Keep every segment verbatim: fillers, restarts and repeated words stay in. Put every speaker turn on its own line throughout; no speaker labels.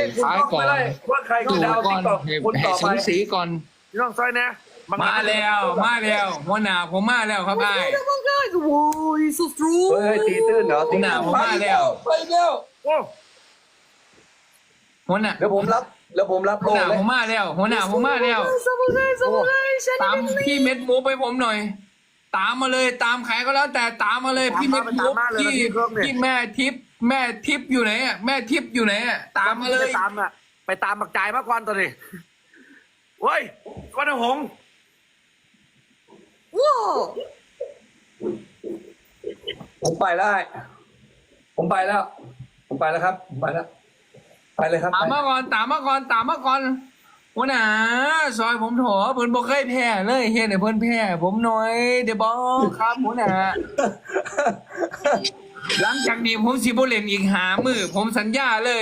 ท้ายก่อน
ว่าใครคือ
ตู่
ดาว
ก่
ติ๊
อก น
ต็อก
ให้
คนต่อ
สู
ไป
สีก่อน
พี่น้องซอยนะ
มาแล้วมาแล้วหัวหน้าผมมาแล้วครับไอ้
Whoa, he's so strong.
เฮ้ยตีตื้นเหรอ
หัวหน้าผมมาแล้ว
ไปแล้ว โอ้
หัวหน้า
เดี๋ยวผมรับเดี๋ยวผมรับ
หั
โล
วหน้า
เลย
ผมมาแล้วหัวหน้าผมมาแล้ว
Samurai, samurai,
ตาม
shiny
พี่เม็ดมูฟไปผมหน่อย ตามมาเลยตามใครก็แล้วแต่ตามมาเลยพี่เม็ดมูฟพี่พี่แม่ทิพย์แม่ทิพย์อยู่ไหนอ่ะแม่ทิพย์อยู่ไหนอ่ะตามมาเลย
ไปตามอ่ะไปตามบักจ่ายมากกว่าตัวนี้เฮ้ยก้อนหงส์
Whoa.
ผมไปได้ ผมไปแล้ว ผมไปแล้วครับผมไปแล้ว ไปเลยครับ
ตามมาก่อนตามมาก่อนตามมาก่อนหัวหน้าซอยผมโถเพิ่นบ่เคยแพ้เลยเฮ็ดให้เพิ่นแพ้ผมหน่อยเดี๋ยวบอกครับหัวหน้าหลังจากนี้ผมสิบ่เล่นอีกหามือผมสัญญาเลย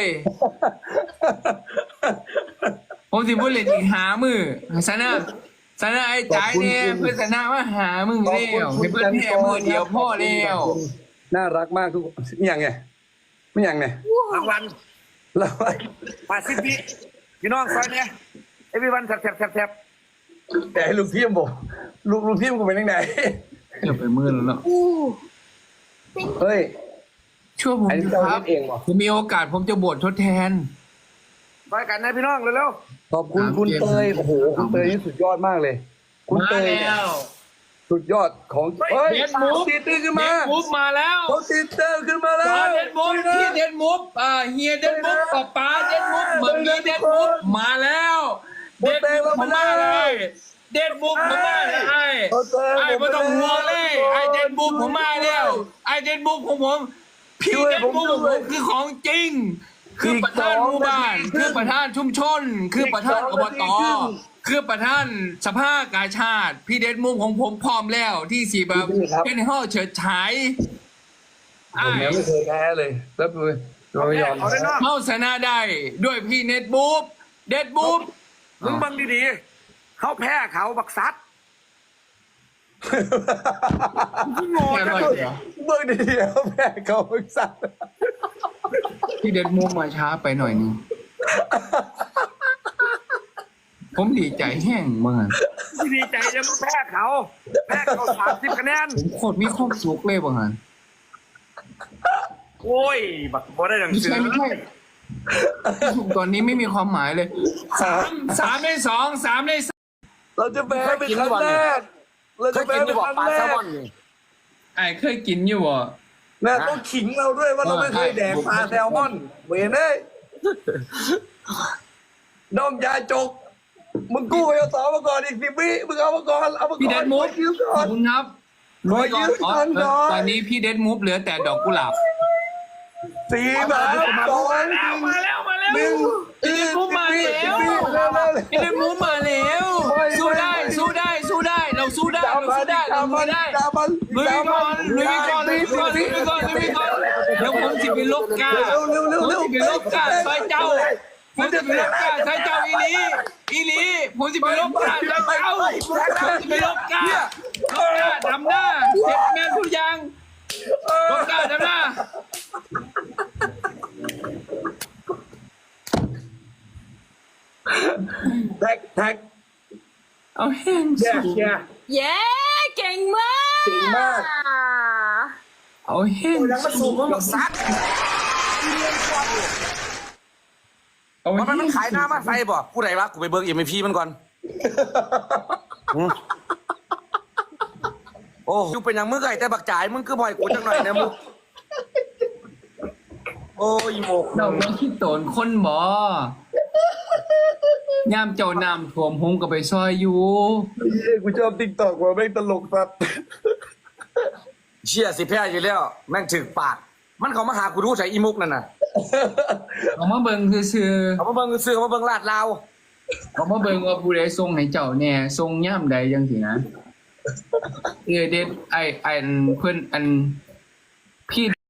ผมสิบ่เล่นอีกหามือซะนะซะนะไอ้จ่ายเนี่ยเพิ่นชนะมาหามึงแล้วให้เพิ่นแพ้มือเดียวพอแล้ว
น่ารักมากทุกคนไม่ยังไงไม่ยังไงรางวัลรางวัลมาสิพี่พี่น้องซอยเนี่ยไอพี่วันแทบแทบแทบแทบแต่ให้ลูกพี่มบอกลูกลูกพี่มกูเป็นยังไง
เกือบไปมือแล้วเนาะ
Ooh.
เฮ้ย
ช่วยผม
อันนี้
ค
เรา
รับ
เองเหรอ
ผมมีโอกาสผมจะบวชทดแทน
ไปกันนะพี่น้องเร็วๆขอบคุณคุณเตยโอ้โหคุณเตยนี่สุดยอดมากเลย คุณ
มา
เตย
แล้ว
สุดยอดของเฮ้ย
เด็ดมูฟ
ตีตื้นขึ้นมา
เด็ดมูฟมาแล้ว
เขาตีตื้นขึ้นมาแล้ว
เด็ดมูฟพี่เด็ดมูฟอ่าเฮียเด็ดมูฟป้าป้าเด็ดมูฟเหมือนมีเด็ดมูฟมาแล้วเด็ดมูฟผมมาเลยเด็ดมูฟผมมาเลยไอ้ไอ้ไม่ต้องห่วงเลยไอ้เด็ดมูฟผมมาแล้วไอ้เด็ดมูฟของผมพี่เด็ดมูฟของผมคือของจริง คือประธานหมู่บ้านคือประธานชุมชน คือประธานอบตคือประธานสภากาชาติพี่เด็ดมุมของผมพร้อมแล้วที่สีแบบเป็นห้อเฉิดฉาย
ผมยังไม่เคยแพ้เลยแล้วดูเราไม่ยอม
เข้าชนะได้ด้วยพี่เน็ตบูฟเด็ดบูฟ
มึงบังดีๆเขาแพ้เขาบักซัดโง่จังเลยบังดีๆเขาแพ้เขาบักซัด
พี่เด็ดมุมมาช้าไปหน่อยนึงผมดีใจแห้งมาก
ดีใจจะแพ้เขาแพ้เขาสามสิบคะแนน
ผมโคตรมีความสุขเลยบางอัน
โอ้ยบักบอได้ดัง
ไม่
เสื
ใช่
อ
ไม่ใช่สุขตอนนี้ไม่มีความหมายเลยสามสามในสองสามในสาม
เราจะแพ้เป็นครั้งแรกเราจะแพ้เป็นครั้งแรก
ไอ้เคยกินอยู่บ่
นะต้องขิงเราด้วยว่าเราไม่เคยแดกปลาแซลมอนเวนเอ้ยน้องยาจกมึงกู้ไปเอาสองมาก่อนอีกสิบวิมึงเอามาก่อนเอามาก่อน
พี่เดดมูฟ
ยืม
ข
ก่อ
อน บคุณครับ
ขอยืม
อ๋อ
ก่อนก่อน
ตอนนี้พี่เดดมูฟเหลือแต่ดอกกุหลาบ
สี่แบบสอง
มาแล้วมาแล้วมาแล้ว
หนึ่ง
พี่เดดมูฟมาแล้วพี่เดดมูฟมาแล้วสู้ได้สู้ได้สู้ได้เราสู้ได้เราสู้ได้เราสู้ได้ลุยก่อนลุยก่อนลุยก่อนลุยก่อนลุยก่อนเดี๋ยวผมจะไปลบกาผมจะไปลบกาใส่เจ้าผมจะไปลบกาใส่เจ้าอีลีอีลีผมจะไปลบกาใส่เจ้าผมจะไปลบกาลบกาดำหน้าเสร็จแม่นทุกอย่างลบกาดำหน้า
แท็กแท็ก
เอาแห้ง
แย่
สู
แย่
Yeah, เก่งมาก
เก่งมาก
เอาแห้ง
ยังมาสูบมันแบบซัด
เอา
มัน
แห้
มัน
ง
ขายหน้ามาใส่บ่ผู้ใดวะกูไปเบิร์กเอ็มพีมันก่อนโอ้ยูเป็นอย่างมึงไก่แต่บักจ่ายมึงคือบ่อยกูจังหน่อยนะมึงโอ้ยโมก
เราต้องคิดโตนคนบ่ย่ามเจ้าน้ำท่วมหงก็ไปซอยอยู่
เฮ้ยกูชอบติ๊กต็อกว่าแม่งตลกสัตว์
เชี่ยสิแพ้อยู่แล้ว แม่งถึกปาก มันเขามาหากูรู้ใส่อีมุกนั่นน่ะ
เอามาเบิ่งซื่อ
เขามาเบิ่งซื้อเขามาเบิ่งลาดลาว
ๆเอามาเบิ่งว่าผู้ใดส่งให้เจ้าแหน่ส่งย่ามใดจังซี่นะเออเด็ดไอ้ไอ้อันเพิ่นอันพี่